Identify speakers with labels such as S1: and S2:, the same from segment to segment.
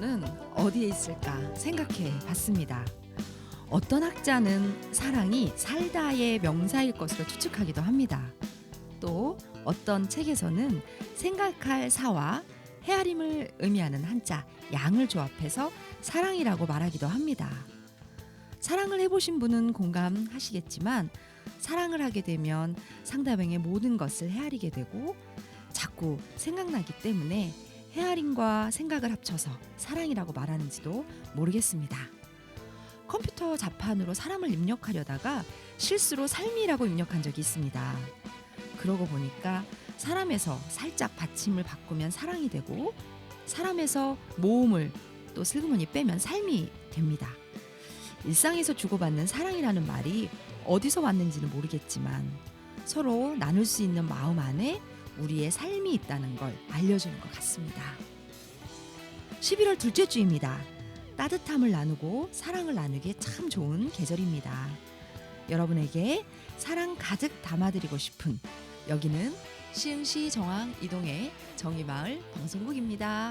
S1: 사랑은 어디에 있을까 생각해 봤습니다. 어떤 학자는 사랑이 살다의 명사일 것으로 추측하기도 합니다. 또 어떤 책에서는 생각할 사와 헤아림을 의미하는 한자 양을 조합해서 사랑이라고 말하기도 합니다. 사랑을 해보신 분은 공감하시겠지만 사랑을 하게 되면 상대방의 모든 것을 헤아리게 되고 자꾸 생각나기 때문에 헤아림과 생각을 합쳐서 사랑이라고 말하는지도 모르겠습니다. 컴퓨터 자판으로 사람을 입력하려다가 실수로 삶이라고 입력한 적이 있습니다. 그러고 보니까 사람에서 살짝 받침을 바꾸면 사랑이 되고 사람에서 모음을 또 슬그머니 빼면 삶이 됩니다. 일상에서 주고받는 사랑이라는 말이 어디서 왔는지는 모르겠지만 서로 나눌 수 있는 마음 안에 우리의 삶이 있다는 걸 알려주는 것 같습니다. 11월 둘째 주입니다. 따뜻함을 나누고 사랑을 나누기에 참 좋은 계절입니다. 여러분에게 사랑 가득 담아드리고 싶은 여기는 시흥시 정왕 이동의 정의마을 방송국입니다.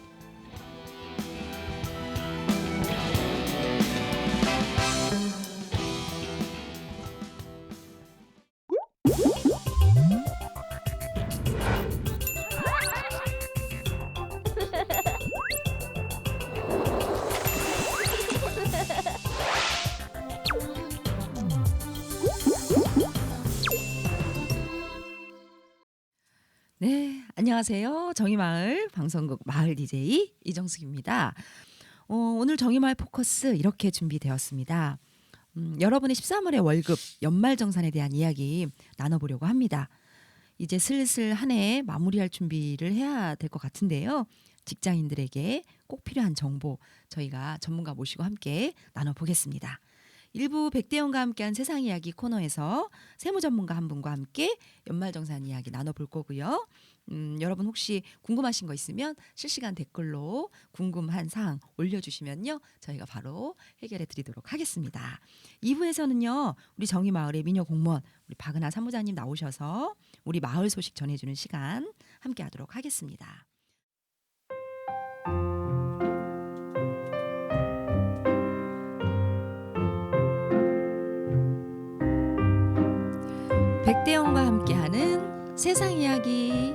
S1: 네, 안녕하세요. 정의마을 방송국 마을 DJ 이정숙입니다. 오늘 정의마을 포커스 이렇게 준비되었습니다. 여러분의 13월의 월급 연말정산에 대한 이야기 나눠보려고 합니다. 이제 슬슬 한 해 마무리할 준비를 해야 될 것 같은데요. 직장인들에게 꼭 필요한 정보 저희가 전문가 모시고 함께 나눠보겠습니다. 일부 백대영과 함께한 세상 이야기 코너에서 세무 전문가 한 분과 함께 연말정산 이야기 나눠볼 거고요. 여러분 혹시 궁금하신 거 있으면 실시간 댓글로 궁금한 사항 올려주시면요. 저희가 바로 해결해 드리도록 하겠습니다. 2부에서는요. 우리 정의마을의 미녀 공무원 우리 박은하 사무장님 나오셔서 우리 마을 소식 전해주는 시간 함께 하도록 하겠습니다. 백대영과 함께하는 세상 이야기.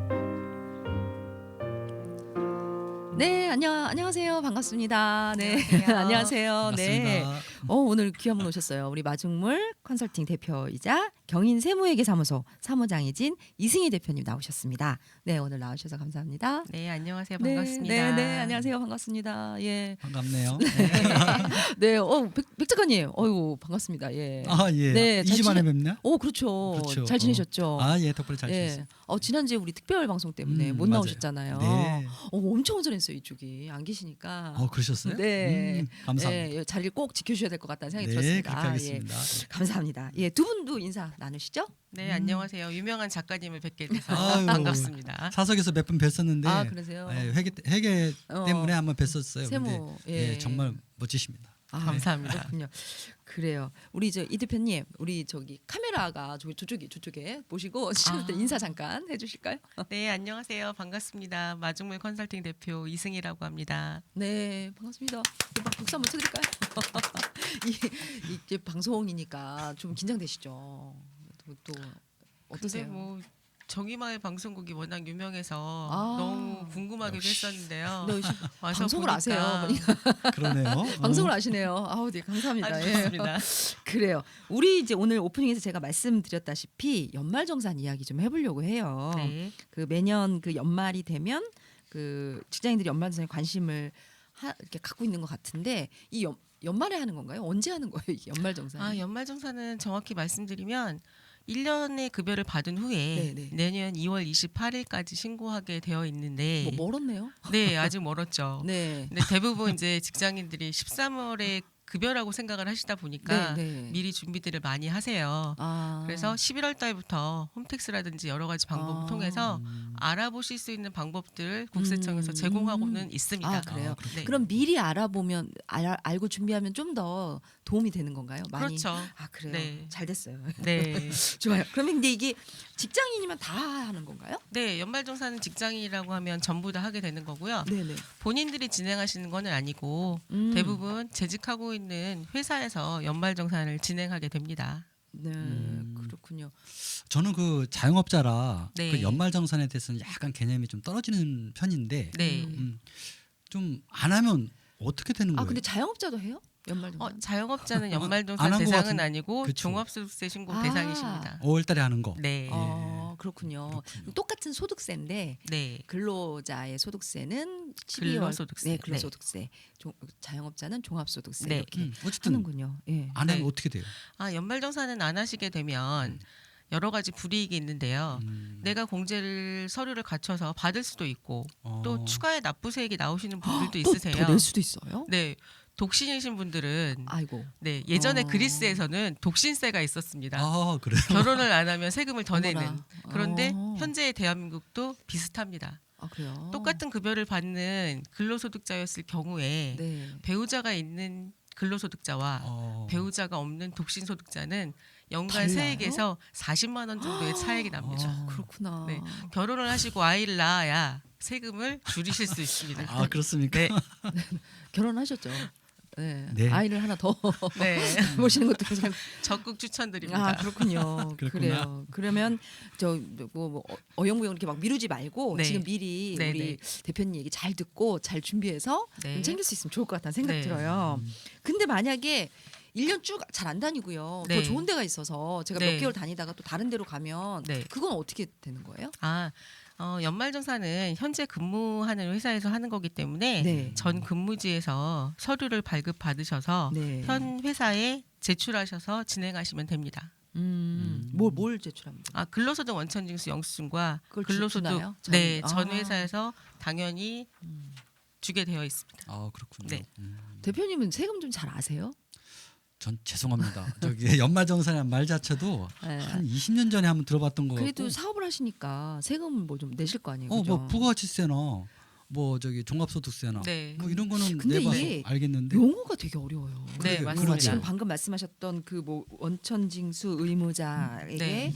S1: 네, 안녕하세요. 반갑습니다. 네, 안녕하세요. 네, 오늘 귀한 분 오셨어요. 우리 마중물 컨설팅 대표이자 경인 세무회계사무소 사무장이진 이승희 대표님 나오셨습니다. 네, 오늘 나오셔서 감사합니다.
S2: 네, 안녕하세요. 반갑습니다.
S1: 네, 안녕하세요. 반갑습니다. 예,
S3: 반갑네요.
S1: 네, 백 작가님, 어유 반갑습니다. 예,
S3: 예.
S1: 네,
S3: 2주 만에 뵙나?
S1: 그렇죠.
S3: 그렇죠.
S1: 잘 지내셨죠?
S3: 예, 덕분에 잘 지냈어요.
S1: 지난주에 우리 특별 방송 때문에 못
S3: 맞아요.
S1: 나오셨잖아요.
S3: 네.
S1: 엄청 온전했어요 이쪽이 안 계시니까.
S3: 그러셨어요?
S1: 네,
S3: 감사합니다.
S1: 예, 자리를 꼭 지켜주셔야 될 것 같다는 생각이
S3: 네,
S1: 들었습니다.
S3: 그렇게 하겠습니다.
S1: 예, 감사합니다. 예, 두 분도 인사 나누시죠?
S2: 네, 안녕하세요. 유명한 작가님을 뵙게 돼서
S3: 아유,
S2: 반갑습니다.
S3: 사석에서 몇 번 뵀었는데
S1: 그러세요?
S3: 회계 때문에 한번 뵀었어요.
S1: 세무,
S3: 근데
S1: 예.
S3: 정말 멋지십니다.
S2: 감사합니다.
S1: 그렇군요. 그래요. 우리 이 대표님, 우리 저기 카메라가 저쪽에 보시고 인사 잠깐 해주실까요?
S2: 네, 안녕하세요. 반갑습니다. 마중물 컨설팅 대표 이승희라고 합니다.
S1: 네, 반갑습니다. 박수 한번 쳐드릴까요? 이게 방송이니까 좀 긴장되시죠? 또 어떠세요?
S2: 근데 뭐 정의마을 방송국이 워낙 유명해서 너무 궁금하기도
S3: 역시.
S2: 했었는데요.
S1: 네,
S2: 와서
S1: 방송을
S2: 보니까
S1: 아세요?
S3: 그러네요.
S1: 방송을 아시네요. 아우, 네, 감사합니다.
S2: 좋습니다.
S1: 그래요. 우리 이제 오늘 오프닝에서 제가 말씀드렸다시피 연말정산 이야기 좀 해보려고 해요.
S2: 네.
S1: 그 매년 그 연말이 되면 그 직장인들이 연말정산에 관심을 이렇게 갖고 있는 것 같은데 이 연말에 하는 건가요? 언제 하는 거예요? 이 연말정산?
S2: 연말정산은 정확히 말씀드리면 1년의 급여를 받은 후에
S1: 네네.
S2: 내년 2월 28일까지 신고하게 되어 있는데
S1: 멀었네요.
S2: 네, 아직 멀었죠.
S1: 네.
S2: 근데 대부분 이제 직장인들이 13월에 급여라고 생각을 하시다 보니까
S1: 네.
S2: 미리 준비들을 많이 하세요.
S1: 아.
S2: 그래서 11월 달부터 홈택스라든지 여러 가지 방법을 통해서 알아보실 수 있는 방법들 국세청에서 제공하고는 있습니다.
S1: 그래요.
S2: 네.
S1: 그럼 미리 알아보면 알고 준비하면 좀 더 도움이 되는 건가요? 많이.
S2: 그렇죠.
S1: 그래요.
S2: 네.
S1: 잘 됐어요.
S2: 네.
S1: 좋아요. 그러면 근데 이게 직장인이면 다 하는 건가요?
S2: 네, 연말정산은 직장이라고 하면 전부 다 하게 되는 거고요.
S1: 네네.
S2: 본인들이 진행하시는 건 아니고 대부분 재직하고 있는 회사에서 연말정산을 진행하게 됩니다.
S1: 네, 그렇군요.
S3: 저는 그 자영업자라
S2: 네.
S3: 그 연말정산에 대해서는 약간 개념이 좀 떨어지는 편인데
S2: 네.
S3: 좀 안 하면 어떻게 되는 거예요?
S1: 근데 자영업자도 해요? 연말정산?
S2: 자영업자는
S3: 안
S2: 연말정산
S3: 한것
S2: 대상은
S3: 같은데.
S2: 아니고
S3: 그쵸.
S2: 종합소득세 신고
S1: 아.
S2: 대상이십니다.
S3: 5월달에 하는 거.
S2: 네.
S1: 그렇군요. 똑같은 소득세인데
S2: 네.
S1: 근로자의 소득세는 12월
S2: 근로소득세.
S1: 네, 근로소득세. 자영업자는 종합소득세
S2: 네.
S1: 이렇게
S3: 어쨌든
S1: 하는군요. 예.
S3: 안 하면
S2: 네.
S3: 어떻게 돼요?
S2: 연말정산은 안 하시게 되면 여러 가지 불이익이 있는데요. 내가 공제를 서류를 갖춰서 받을 수도 있고 또 추가의 납부세액이 나오시는 분들도 있으세요.
S1: 더 낼 수도 있어요?
S2: 네. 독신이신 분들은
S1: 아이고.
S2: 네, 예전에 그리스에서는 독신세가 있었습니다.
S3: 그래요?
S2: 결혼을 안 하면 세금을 더 내는.
S1: 어머나.
S2: 그런데 현재의 대한민국도 비슷합니다.
S1: 그래요?
S2: 똑같은 급여를 받는 근로소득자였을 경우에
S1: 네.
S2: 배우자가 있는 근로소득자와 배우자가 없는 독신소득자는 연간
S1: 달라요?
S2: 세액에서 40만 원 정도의 차액이 납니다.
S1: 그렇구나.
S2: 네. 결혼을 하시고 아이를 낳아야 세금을 줄이실 수 있습니다.
S3: 그렇습니까?
S2: 네.
S1: 결혼하셨죠? 네.
S3: 네.
S1: 아이를 하나 더
S2: 네.
S1: 모시는 것도 괜찮고.
S2: 적극 추천드립니다.
S1: 그렇군요.
S3: 그렇구나.
S1: 그래요. 그러면 어영부영 이렇게 막 미루지 말고
S2: 네.
S1: 지금 미리
S2: 네,
S1: 우리
S2: 네.
S1: 대표님 얘기 잘 듣고 잘 준비해서
S2: 네.
S1: 좀 챙길 수 있으면 좋을 것 같다는 생각
S2: 네.
S1: 들어요. 근데 만약에 1년 쭉 잘 안 다니고요. 더
S2: 네.
S1: 좋은 데가 있어서 제가
S2: 네.
S1: 몇 개월 다니다가 또 다른 데로 가면
S2: 네.
S1: 그건 어떻게 되는 거예요?
S2: 연말정산은 현재 근무하는 회사에서 하는 거기 때문에
S1: 네.
S2: 전 근무지에서 서류를 발급 받으셔서
S1: 네.
S2: 현 회사에 제출하셔서 진행하시면 됩니다.
S1: 뭘 제출하면 돼요?
S2: 근로소득 원천징수 영수증과
S1: 그걸
S2: 근로소득
S1: 주나요?
S2: 전 회사에서 당연히 주게 되어 있습니다.
S3: 그렇군요.
S2: 네.
S1: 대표님은 세금 좀 잘 아세요?
S3: 전 죄송합니다. 저기 연말정산이라는 말 자체도
S1: 네.
S3: 한 20년 전에 한번 들어봤던 거
S1: 그래도
S3: 같고.
S1: 사업을 하시니까 세금 뭐 좀 내실 거 아니에요?
S3: 뭐
S1: 그죠?
S3: 부가가치세나 뭐 저기 종합소득세나
S2: 네.
S3: 뭐 이런 거는
S1: 근데
S3: 내봐서
S1: 이게
S3: 알겠는데
S1: 용어가 되게 어려워요.
S2: 네,
S3: 그러게요.
S2: 맞습니다.
S1: 지금 방금 말씀하셨던 그 뭐 원천징수 의무자에게
S2: 네.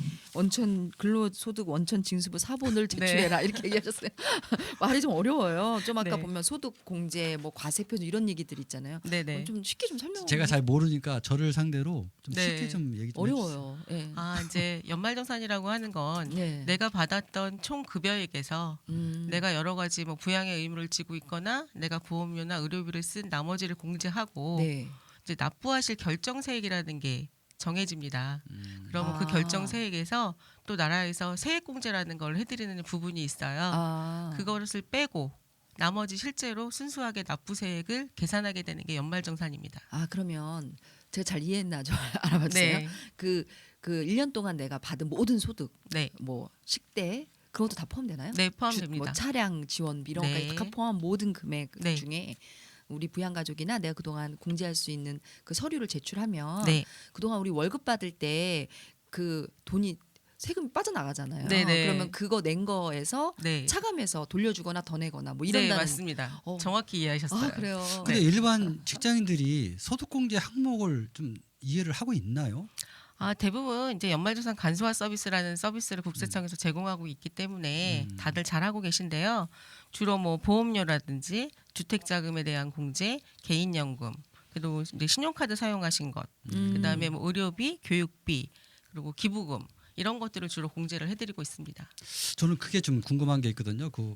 S1: 근로소득 원천징수부 사본을 제출해라 이렇게 얘기하셨어요. 말이 좀 어려워요. 좀 아까
S2: 네.
S1: 보면 소득 공제 뭐 과세표 이런 얘기들 있잖아요.
S2: 네네.
S1: 좀 쉽게 좀 설명.
S3: 제가 잘 모르니까 저를 상대로 좀
S2: 네.
S3: 쉽게 좀 얘기 좀 해주세요.
S1: 어려워요. 예.
S2: 이제 연말정산이라고 하는 건
S1: 네.
S2: 내가 받았던 총 급여액에서 내가 여러 가지 뭐 부양의 의무를 지고 있거나 내가 보험료나 의료비를 쓴 나머지를 공제하고
S1: 네.
S2: 이제 납부하실 결정세액이라는 게 정해집니다. 그러면 그
S1: 아.
S2: 결정세액에서 또 나라에서 세액공제라는 걸 해드리는 부분이 있어요. 그것을 빼고 나머지 실제로 순수하게 납부세액을 계산하게 되는 게 연말정산입니다.
S1: 그러면 제가 잘 이해했나 좀 알아봤어요.
S2: 네.
S1: 그 1년 동안 내가 받은 모든 소득,
S2: 네,
S1: 뭐 식대 그것도 다 포함되나요?
S2: 네 포함됩니다.
S1: 뭐 차량 지원비 이런
S2: 네.
S1: 거까지 다 포함한 모든 금액
S2: 네.
S1: 중에 우리 부양가족이나 내가 그동안 공제할 수 있는 그 서류를 제출하면
S2: 네,
S1: 그동안 우리 월급 받을 때 그 돈이 세금이 빠져나가잖아요.
S2: 네네.
S1: 그러면 그거 낸 거에서
S2: 네,
S1: 차감해서 돌려주거나 더 내거나 뭐
S2: 네
S1: 이런다는.
S2: 맞습니다.
S1: 어.
S2: 정확히 이해하셨어요.
S1: 그래요.
S3: 근데 일반 직장인들이 소득공제 항목을 좀 이해를 하고 있나요?
S2: 대부분 이제 연말정산 간소화 서비스라는 서비스를 국세청에서 제공하고 있기 때문에 다들 잘하고 계신데요. 주로 뭐 보험료라든지 주택자금에 대한 공제, 개인연금, 그리고 이제 신용카드 사용하신 것, 그다음에 뭐 의료비, 교육비, 그리고 기부금 이런 것들을 주로 공제를 해드리고 있습니다.
S3: 저는 그게 좀 궁금한 게 있거든요. 그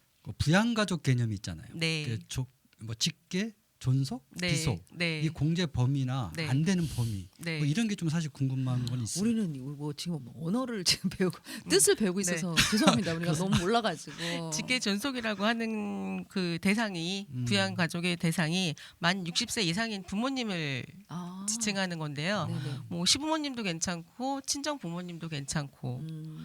S3: 부양가족 개념이 있잖아요.
S2: 네.
S3: 뭐 직계, 존속,
S2: 네,
S3: 비속
S2: 네.
S3: 이 공제 범위나
S2: 네.
S3: 안 되는 범위
S2: 네.
S3: 뭐 이런 게 좀 사실 궁금한 건 있어요.
S1: 우리는 뭐 지금 언어를 지금 배우고 뜻을 배우고 있어서 죄송합니다. 우리가 너무 몰라가지고.
S2: 직계 존속이라고 하는 그 대상이 부양 가족의 대상이 만 60세 이상인 부모님을 지칭하는 건데요.
S1: 네네.
S2: 뭐 시부모님도 괜찮고 친정 부모님도 괜찮고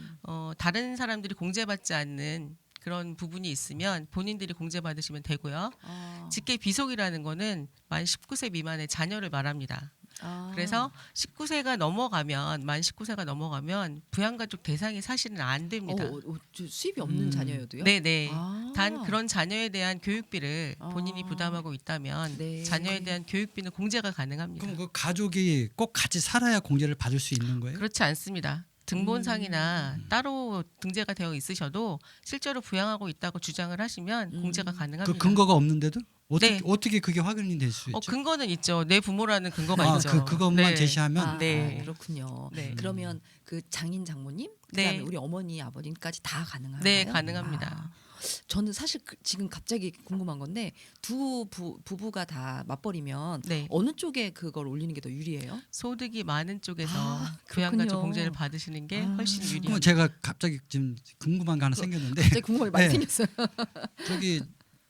S2: 다른 사람들이 공제받지 않는 그런 부분이 있으면 본인들이 공제받으시면 되고요. 직계 비속이라는 거는 만 19세 미만의 자녀를 말합니다. 그래서 19세가 넘어가면 만 19세가 넘어가면 부양가족 대상이 사실은 안 됩니다.
S1: 저 수입이 없는 자녀여도요?
S2: 네네. 단 그런 자녀에 대한 교육비를 본인이
S1: 아.
S2: 부담하고 있다면
S1: 네.
S2: 자녀에 대한 교육비는 공제가 가능합니다.
S3: 그럼 그 가족이 꼭 같이 살아야 공제를 받을 수 있는 거예요?
S2: 그렇지 않습니다. 등본상이나 따로 등재가 되어 있으셔도 실제로 부양하고 있다고 주장을 하시면 공제가 가능합니다.
S3: 그 근거가 없는데도
S2: 네.
S3: 어떻게 그게 확인이 될 수 있죠?
S2: 근거는 있죠. 내 부모라는 근거가 있죠.
S3: 그것만
S2: 네.
S3: 제시하면
S2: 네.
S1: 그렇군요.
S2: 네.
S1: 그러면 그 장인 장모님, 그다음에
S2: 네.
S1: 우리 어머니 아버님까지 다 가능한가요?
S2: 네, 가능합니다.
S1: 저는 사실 지금 갑자기 궁금한 건데 두 부부가 다 맞벌이면
S2: 네.
S1: 어느 쪽에 그걸 올리는 게 더 유리해요?
S2: 소득이 많은 쪽에서
S1: 그렇군요.
S2: 부양가족 공제를 받으시는 게 훨씬
S3: 그러면
S2: 유리합니다.
S3: 제가 갑자기 지금 궁금한 게 하나 생겼는데
S1: 갑자기 궁금한 게 많이
S3: 네.
S1: 생겼어요.
S3: 저기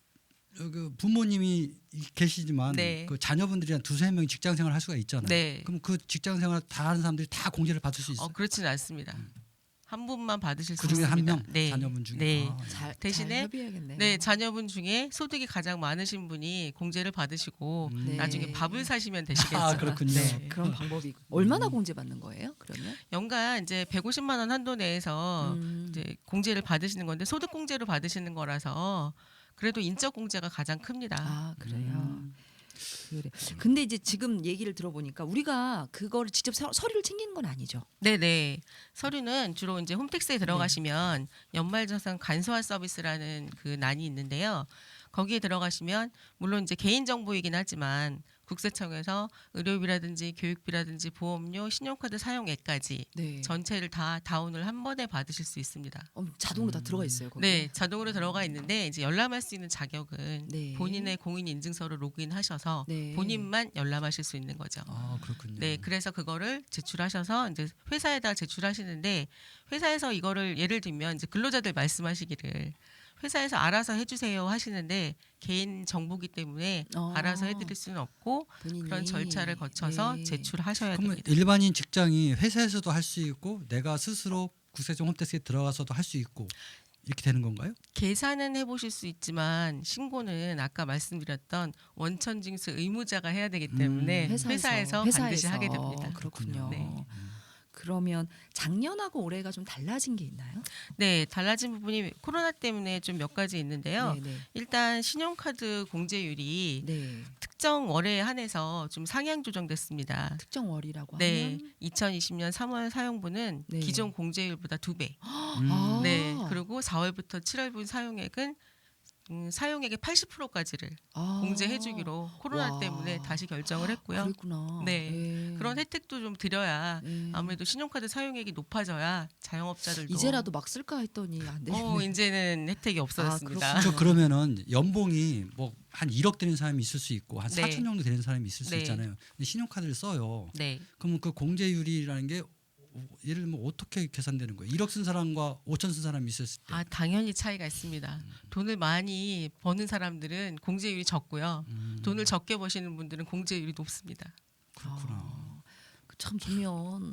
S3: 부모님이 계시지만
S2: 네.
S3: 그 자녀분들이 한 두세 명이 직장 생활을 할 수가 있잖아요.
S2: 네.
S3: 그럼 그 직장 생활 다 하는 사람들이 다 공제를 받을 수 있어요.
S2: 그렇지는 않습니다. 한 분만 받으실 수
S3: 그 중에
S2: 있습니다.
S3: 한 명
S2: 네.
S3: 자녀분 중에.
S2: 네.
S3: 아,
S1: 잘
S2: 대신에
S1: 협의해야겠네요.
S2: 네, 자녀분 중에 소득이 가장 많으신 분이 공제를 받으시고
S1: 네.
S2: 나중에 밥을 사시면 되시겠죠.
S3: 아, 그렇군요.
S2: 네.
S1: 그런 방법이 얼마나 공제 받는 거예요? 그러면
S2: 연간 이제 150만 원 한도 내에서 이제 공제를 받으시는 건데 소득 공제로 받으시는 거라서 그래도 인적 공제가 가장 큽니다.
S1: 아 그래요.
S3: 음.
S1: 그래. 근데 이제 지금 얘기를 들어보니까 우리가 그거를 직접 서류를 챙기는 건 아니죠.
S2: 네네. 서류는 주로 이제 홈택스에 들어가시면
S1: 네.
S2: 연말정산 간소화 서비스라는 그 난이 있는데요. 거기에 들어가시면 물론 이제 개인 정보이긴 하지만 국세청에서 의료비라든지 교육비라든지 보험료, 신용카드 사용액까지
S1: 네.
S2: 전체를 다 다운을 한 번에 받으실 수 있습니다.
S1: 자동으로 다 들어가 있어요. 거기에?
S2: 네, 자동으로 들어가 있는데 이제 열람할 수 있는 자격은
S1: 네.
S2: 본인의 공인 인증서로 로그인하셔서
S1: 네.
S2: 본인만 열람하실 수 있는 거죠.
S3: 아, 그렇군요.
S2: 네, 그래서 그거를 제출하셔서 이제 회사에다 제출하시는데 회사에서 이거를 예를 들면 이제 근로자들 말씀하시기를 회사에서 알아서 해주세요 하시는데 개인 정보기 때문에 알아서 해드릴 수는 없고
S1: 본인이.
S2: 그런 절차를 거쳐서
S1: 네.
S2: 제출하셔야
S3: 그러면
S2: 됩니다.
S3: 일반인 직장이 회사에서도 할 수 있고 내가 스스로 국세청 홈택스에 들어가서도 할 수 있고 이렇게 되는 건가요?
S2: 계산은 해보실 수 있지만 신고는 아까 말씀드렸던 원천징수 의무자가 해야 되기 때문에 회사에서 반드시 하게 됩니다.
S1: 그렇군요.
S2: 네.
S1: 그러면 작년하고 올해가 좀 달라진 게 있나요?
S2: 네, 달라진 부분이 코로나 때문에 좀 몇 가지 있는데요.
S1: 네, 네.
S2: 일단 신용카드 공제율이
S1: 네.
S2: 특정 월에 한해서 좀 상향 조정됐습니다.
S1: 특정 월이라고
S2: 네,
S1: 하면
S2: 2020년 3월 사용분은
S1: 네.
S2: 기존 공제율보다 2배.
S1: 아.
S2: 네, 그리고 4월부터 7월분 사용액은 사용액의 80%까지를 공제해주기로 코로나
S1: 와.
S2: 때문에 다시 결정을 했고요.
S1: 그랬구나.
S2: 네. 그런 혜택도 좀 드려야
S1: 네.
S2: 아무래도 신용카드 사용액이 높아져야 자영업자들도
S1: 이제라도 막 쓸까 했더니 안 되겠네.
S2: 이제는 혜택이 없어졌습니다.
S3: 저 그러면은 연봉이 뭐 한 1억 되는 사람이 있을 수 있고 한
S2: 네.
S3: 4천 정도 되는 사람이 있을 수
S2: 네.
S3: 있잖아요. 근데 신용카드를 써요.
S2: 네.
S3: 그러면 그 공제율이라는 게 예를 들면 어떻게 계산되는 거예요? 1억 쓴 사람과 5천 쓴 사람이 있었을 때.
S2: 당연히 차이가 있습니다. 돈을 많이 버는 사람들은 공제율이 적고요. 돈을 적게 버시는 분들은 공제율이 높습니다.
S3: 그렇구나.
S1: 참 보면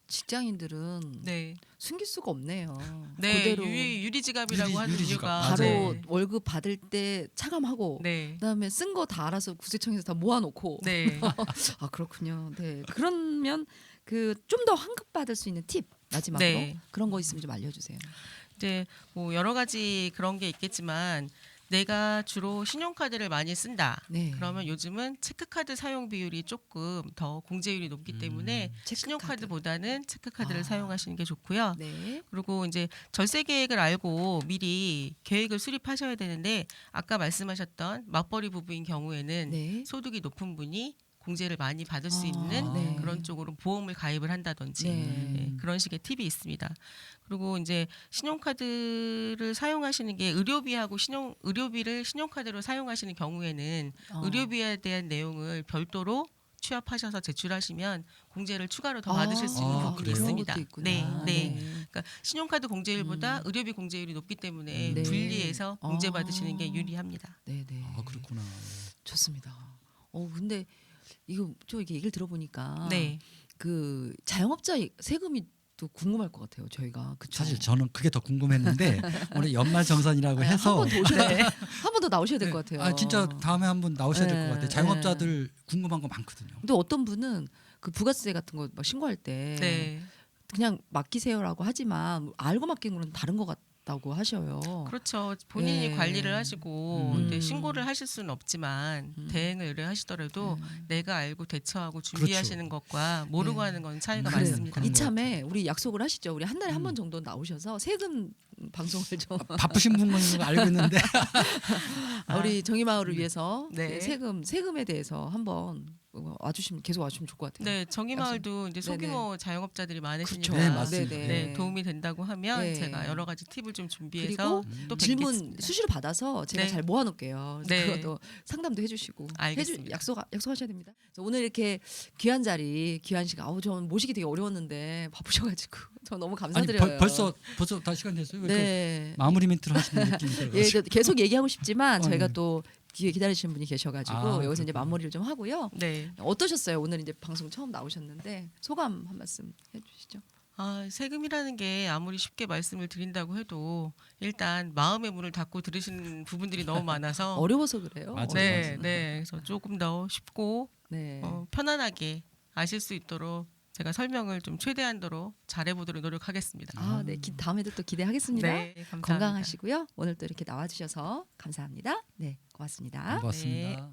S1: 직장인들은
S2: 네.
S1: 숨길 수가 없네요.
S2: 네.
S1: 그대로
S2: 유리지갑이라고 하는
S3: 유리지갑.
S2: 이유가
S1: 바로
S2: 네.
S1: 월급 받을 때 차감하고
S2: 네.
S1: 그다음에 쓴 거 다 알아서 구세청에서 다 모아놓고
S2: 네.
S1: 아 그렇군요. 네 그러면 그 좀 더 환급 받을 수 있는 팁 마지막으로
S2: 네.
S1: 그런 거 있으면 좀 알려주세요.
S2: 이제 뭐 여러 가지 그런 게 있겠지만 내가 주로 신용카드를 많이 쓴다.
S1: 네.
S2: 그러면 요즘은 체크카드 사용 비율이 조금 더 공제율이 높기 때문에
S1: 체크카드.
S2: 신용카드보다는 체크카드를
S1: 아.
S2: 사용하시는 게 좋고요.
S1: 네.
S2: 그리고 이제 절세 계획을 알고 미리 계획을 수립하셔야 되는데 아까 말씀하셨던 맞벌이 부부인 경우에는
S1: 네.
S2: 소득이 높은 분이 공제를 많이 받을 수
S1: 아,
S2: 있는
S1: 네.
S2: 그런 쪽으로 보험을 가입을 한다든지
S1: 네.
S2: 네, 그런 식의 팁이 있습니다. 그리고 이제 신용카드를 사용하시는 게 의료비를 신용카드로 사용하시는 경우에는 의료비에 대한 내용을 별도로 취합하셔서 제출하시면 공제를 추가로 더 받으실 수 있는 부분이
S3: 그래요?
S2: 있습니다.
S1: 그런 것도 있구나.
S2: 네, 네. 그러니까 신용카드 공제율보다 의료비 공제율이 높기 때문에
S1: 네.
S2: 분리해서 공제
S1: 아.
S2: 받으시는 게 유리합니다.
S1: 네, 네.
S3: 아, 그렇구나.
S1: 좋습니다. 근데 이거 저 이게 얘기를 들어보니까
S2: 네.
S1: 그 자영업자 세금이 또 궁금할 것 같아요. 저희가 그쵸?
S3: 사실 저는 그게 더 궁금했는데 오늘 연말정산이라고 해서
S1: 한 번 더 나오셔야 될 것 같아요.
S3: 아 진짜 다음에 한번 나오셔야 될 것
S1: 네,
S3: 같아요. 자영업자들 궁금한 거 많거든요.
S1: 근데 어떤 분은 그 부가세 같은 거 막 신고할 때
S2: 네.
S1: 그냥 맡기세요라고 하지만 알고 맡긴 거는 다른 것 하셨다고 하셔요.
S2: 그렇죠. 본인이
S1: 예.
S2: 관리를 하시고
S3: 음.
S2: 네, 신고를 하실 수는 없지만 대행을 의뢰하시더라도 내가 알고 대처하고 준비하시는 것과 모르고
S1: 네.
S2: 하는 건 차이가
S3: 그래,
S2: 많습니다.
S3: 그런 것
S1: 이참에 우리 약속을 하시죠. 우리 한 달에 한 번
S3: 음.
S1: 정도 나오셔서 세금 방송을 좀
S3: 바쁘신 분은 알고 있는데
S1: 우리 정의마을을 위해서
S2: 네.
S1: 세금에 대해서 한번 와주시면 계속 와주시면 좋을 것 같아요.
S2: 네, 정의마을도 이제
S1: 네네.
S2: 소규모 자영업자들이 많으시니까
S3: 네, 맞습니다.
S2: 네, 도움이 된다고 하면
S1: 네.
S2: 제가 여러 가지 팁을 좀 준비해서
S1: 그리고
S2: 또
S1: 질문
S2: 뵙겠습니다.
S1: 수시로 받아서 제가
S2: 네.
S1: 잘 모아놓을게요.
S2: 네.
S1: 그것도 상담도 해주시고
S2: 알겠습니다.
S1: 약속하셔야 됩니다. 그래서 오늘 이렇게 귀한 자리, 귀한 시간, 전 모시기 되게 어려웠는데 바쁘셔가지고 저 너무
S3: 아니
S1: 감사드려요.
S3: 벌써 다 시간 됐어요. 왜 이렇게
S1: 네.
S3: 마무리 멘트를 하시는 느낌이 들어요.
S1: 예, 계속 얘기하고 싶지만 저희가
S3: 네.
S1: 또 뒤에 기다리시는 분이 계셔가지고 여기서 이제
S3: 그렇군요.
S1: 마무리를 좀 하고요.
S2: 네.
S1: 어떠셨어요? 오늘 이제 방송 처음 나오셨는데 소감 한 말씀 해주시죠.
S2: 세금이라는 게 아무리 쉽게 말씀을 드린다고 해도 일단 마음의 문을 닫고 들으시는 부분들이 너무 많아서
S1: 어려워서 그래요.
S3: 맞아요.
S2: 네, 네. 그래서 조금 더 쉽고
S1: 네.
S2: 편안하게 아실 수 있도록 제가 설명을 좀 최대한도로 잘해보도록 노력하겠습니다.
S1: 네. 다음에도 또 기대하겠습니다.
S2: 네, 감사합니다.
S1: 건강하시고요. 오늘 또 이렇게 나와주셔서 감사합니다. 네, 고맙습니다.
S3: 고맙습니다.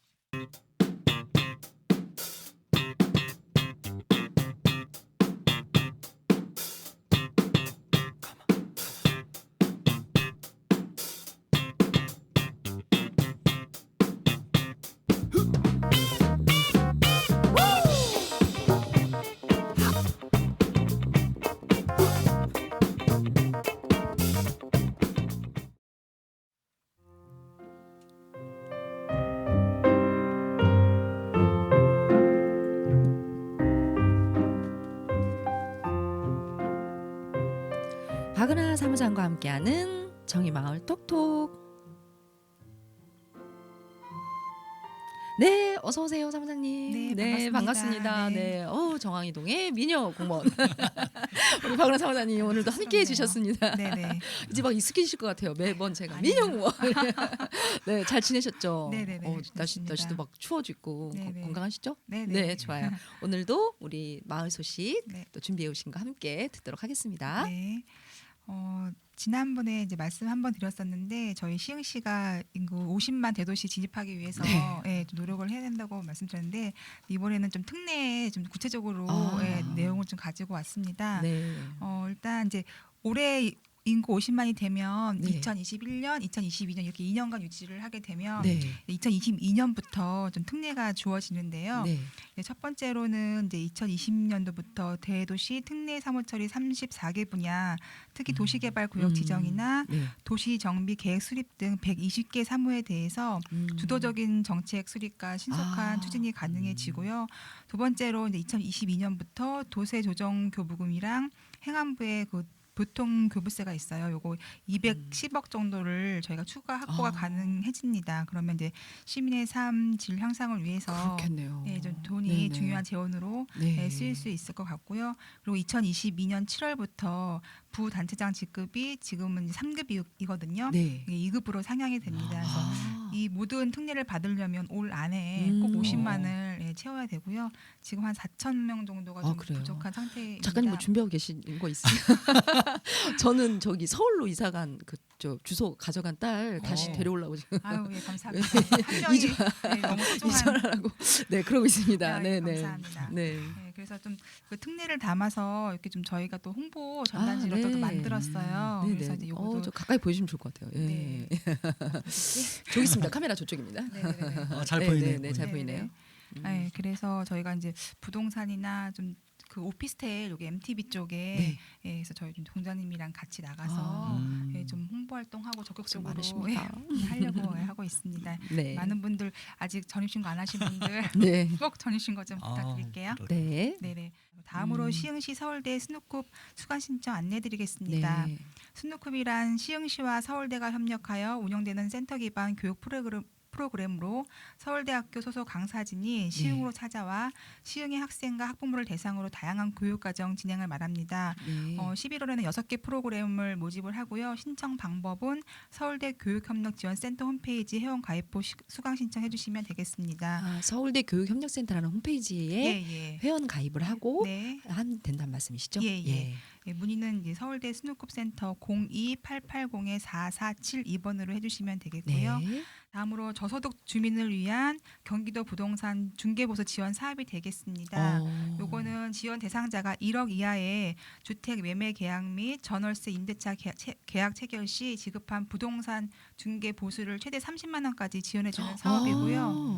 S1: 박은하 사무장과 함께하는 정의마을 톡톡. 네, 어서 오세요, 사무장님.
S4: 네, 반갑습니다.
S1: 네, 정황이동의 미녀 공무원 우리 박은하 사무장님 오늘도 함께해 주셨습니다.
S4: 네네.
S1: 이제 막 익숙해지실 것 같아요. 매번 제가 미녀 공무원. 네, 잘 지내셨죠?
S4: 네네네,
S1: 날씨도
S4: 좋습니다.
S1: 막 추워지고
S4: 네네.
S1: 건강하시죠?
S4: 네네.
S1: 네, 좋아요. 오늘도 우리 마을 소식
S4: 네.
S1: 또 준비해 오신 거 함께 듣도록 하겠습니다.
S4: 네. 지난번에 이제 말씀 한번 드렸었는데 저희 시흥시가 인구 50만 대도시 진입하기 위해서 좀 노력을 해야 된다고 말씀드렸는데 이번에는 좀 특례에 좀 구체적으로 내용을 좀 가지고 왔습니다.
S1: 네.
S4: 일단 이제 올해 인구 50만이 되면
S1: 네.
S4: 2021년, 2022년 이렇게 2년간 유지를 하게 되면
S1: 네.
S4: 2022년부터 좀 특례가 주어지는데요.
S1: 네.
S4: 네, 첫 번째로는 이제 2020년도부터 대도시 특례 사무처리 34개 분야, 특히 도시개발구역 지정이나
S1: 네.
S4: 도시정비 계획 수립 등 120개 사무에 대해서 주도적인 정책 수립과 신속한 추진이 가능해지고요. 두 번째로 이제 2022년부터 도세조정교부금이랑 행안부의 그 보통 교부세가 있어요. 요거 210억 정도를 저희가 추가 확보가 가능해집니다. 그러면 이제 시민의 삶 질 향상을 위해서
S1: 그렇겠네요.
S4: 좀 돈이
S1: 네네.
S4: 중요한 재원으로
S1: 네.
S4: 쓰일 수 있을 것 같고요. 그리고 2022년 7월부터 부단체장 직급이 지금은 3급이거든요.
S1: 네.
S4: 2급으로 상향이 됩니다. 그래서 이 모든 특례를 받으려면 올 안에 꼭 50만을 채워야 되고요. 지금 한 4천 명 정도가 좀
S1: 그래요?
S4: 부족한 상태입니다.
S1: 작가님 뭐 준비하고 계신 거 있어요? 저는 저기 서울로 이사간 저 주소 가져간 딸 다시 데려오려고 지금
S4: 아유, 예, 감사합니다. 한 명이 너무 소중한
S1: 이전하라고 네 그러고 있습니다.
S4: 네,
S1: 네,
S4: 감사합니다.
S1: 네.
S4: 네, 그래서 좀 그 특례를 담아서 이렇게 좀 저희가 또 홍보 전단지로
S1: 네.
S4: 또 만들었어요.
S1: 네,
S4: 그래서
S1: 네.
S4: 이제 요것도
S1: 저 가까이 보여주시면 좋을 것 같아요. 예.
S4: 네.
S1: 저기 있습니다. 카메라 저쪽입니다.
S4: 네네네.
S3: 잘
S1: 네,
S3: 보이네요.
S1: 네, 잘 보이네요.
S4: 네, 그래서 저희가 이제 부동산이나 좀 그 오피스텔 여기 MTB 쪽에 그래서 저희 좀 동장님이랑 같이 나가서 좀 홍보 활동하고 적극적으로
S1: 많으십니다.
S4: 하려고 하고 있습니다.
S1: 네.
S4: 많은 분들 아직 전입신고 안 하신 분들
S1: 네.
S4: 꼭 전입신고 좀 부탁드릴게요.
S1: 네.
S4: 네네. 다음으로 시흥시 서울대 스누쿱 수강 신청 안내드리겠습니다.
S1: 네.
S4: 스누쿱이란 시흥시와 서울대가 협력하여 운영되는 센터 기반 교육 프로그램으로 서울대학교 소속 강사진이 시흥으로 찾아와 시흥의 학생과 학부모를 대상으로 다양한 교육과정 진행을 말합니다.
S1: 네.
S4: 11월에는 6개 프로그램을 모집을 하고요. 신청 방법은 서울대 교육협력지원센터 홈페이지 회원 가입 후 수강 신청해 주시면 되겠습니다.
S1: 서울대 교육협력센터라는 홈페이지에
S4: 예.
S1: 회원 가입을 하고
S4: 네.
S1: 하면 된다는 말씀이시죠?
S4: 예. 예, 문의는 이제 서울대 스누컵센터 02-880-4472번으로 해주시면 되겠고요.
S1: 네.
S4: 다음으로 저소득 주민을 위한 경기도 부동산 중개보수 지원 사업이 되겠습니다. 요거는 지원 대상자가 1억 이하의 주택 매매 계약 및 전월세 임대차 계약 체결 시 지급한 부동산 중개 보수를 최대 30만 원까지 지원해주는 사업이고요.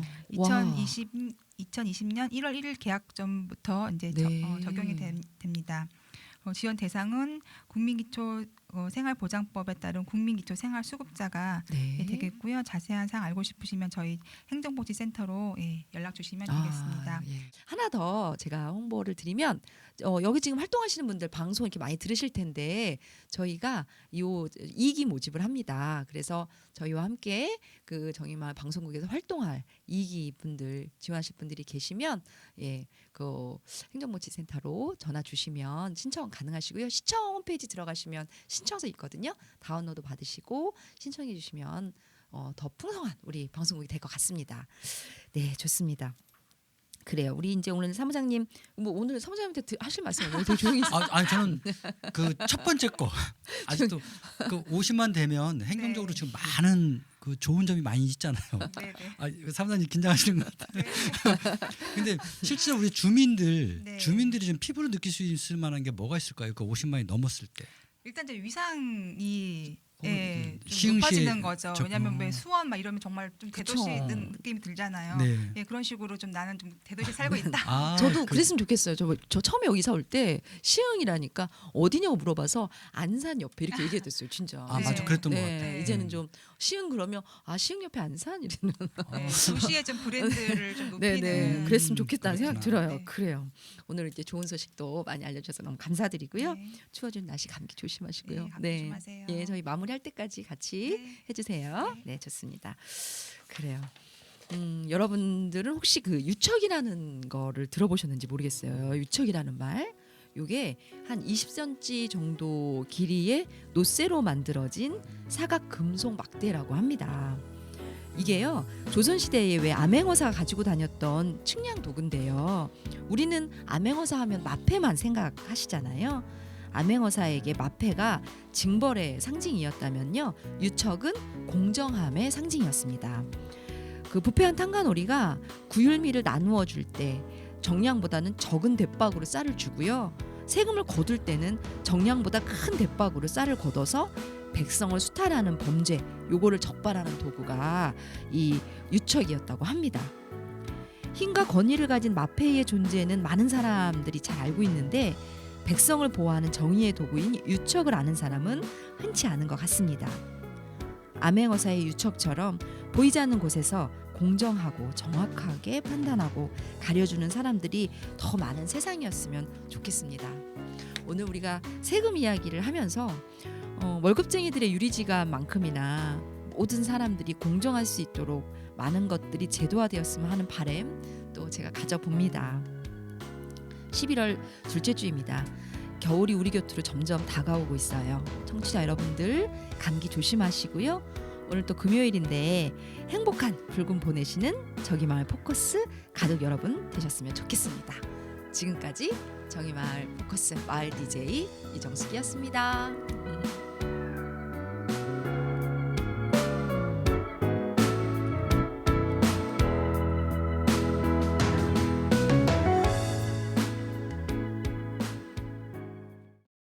S4: 2020년 1월 1일 계약전부터 이제 적용이 됩니다. 지원 대상은 국민기초 생활보장법에 따른 국민기초생활수급자가 되겠고요. 자세한 사항 알고 싶으시면 저희 행정복지센터로 연락 주시면 되겠습니다.
S1: 하나 더 제가 홍보를 드리면 여기 지금 활동하시는 분들 방송 이렇게 많이 들으실 텐데 저희가 요 2기 모집을 합니다. 그래서 저희와 함께 그 정의마을 방송국에서 활동할 2기 분들 지원하실 분들이 계시면 그 행정복지센터로 전화 주시면 신청 가능하시고요. 시청 홈페이지 들어가시면 신청서 있거든요. 다운로드 받으시고 신청해 주시면 더 풍성한 우리 방송국이 될 것 같습니다. 네, 좋습니다. 그래요. 우리 이제 오늘 사무장님 오늘 사무장님한테 하실 말씀 오늘 되게 조용히 있어요.
S3: 아니 저는 그 첫 번째 거 아직도 그 50만 되면 행정적으로 지금 많은 그 좋은 점이 많이 있잖아요. 사무장님 긴장하시는 것 같아요. 근데 실제로 우리 주민들이 좀 피부로 느낄 수 있을 만한 게 뭐가 있을까요? 그 50만이 넘었을 때.
S4: 일단 이제 위상이 좀
S3: 시흥시에
S4: 높아지는 거죠. 왜냐하면 왜 수원 막 이러면 정말 좀 대도시 느낌이 들잖아요.
S3: 네.
S4: 그런 식으로 좀 나는 좀 대도시에 살고 있다.
S1: 저도 그랬으면 좋겠어요. 저 처음에 이사 올 때 시흥이라니까 어디냐고 물어봐서 안산 옆에 이렇게 얘기했었어요. 진짜.
S3: 맞아, 그랬던 것 같아요.
S4: 네.
S1: 이제는 좀 시흥 그러면 시흥 옆에 안산 이러는.
S4: 도시의 좀 브랜드를 좀 높이는.
S1: 그랬으면 좋겠다는 생각 들어요.
S4: 네.
S1: 그래요. 오늘 이제 좋은 소식도 많이 알려주셔서 너무 감사드리고요.
S4: 네.
S1: 추워지는 날씨 감기 조심하시고요.
S4: 네, 감기 조심하세요.
S1: 저희 마무리할 때까지 같이 해주세요. 네, 좋습니다. 그래요. 여러분들은 혹시 그 유척이라는 거를 들어보셨는지 모르겠어요. 유척이라는 말. 요게 한 20cm 정도 길이의 노쇠로 만들어진 사각 금속 막대라고 합니다. 이게요, 조선시대에 왜 암행어사가 가지고 다녔던 측량 도구인데요. 우리는 암행어사 하면 마패만 생각하시잖아요. 암행어사에게 마패가 징벌의 상징이었다면요, 유척은 공정함의 상징이었습니다. 그 부패한 탕가놀이가 구율미를 나누어 줄 때 정량보다는 적은 대박으로 쌀을 주고요, 세금을 거둘 때는 정량보다 큰 대박으로 쌀을 걷어서 백성을 수탈하는 범죄, 요거를 적발하는 도구가 이 유척이었다고 합니다. 힘과 권위를 가진 마패의 존재는 많은 사람들이 잘 알고 있는데 백성을 보호하는 정의의 도구인 유척을 아는 사람은 흔치 않은 것 같습니다. 암행어사의 유척처럼 보이지 않는 곳에서 공정하고 정확하게 판단하고 가려주는 사람들이 더 많은 세상이었으면 좋겠습니다. 오늘 우리가 세금 이야기를 하면서 월급쟁이들의 유리지갑만큼이나 모든 사람들이 공정할 수 있도록 많은 것들이 제도화되었으면 하는 바람 또 제가 가져봅니다. 11월 둘째 주입니다. 겨울이 우리 곁으로 점점 다가오고 있어요. 청취자 여러분들 감기 조심하시고요. 오늘 또 금요일인데 행복한 불금 보내시는 정의마을 포커스 가족 여러분 되셨으면 좋겠습니다. 지금까지 정의마을 포커스 마을 DJ 이정숙이었습니다.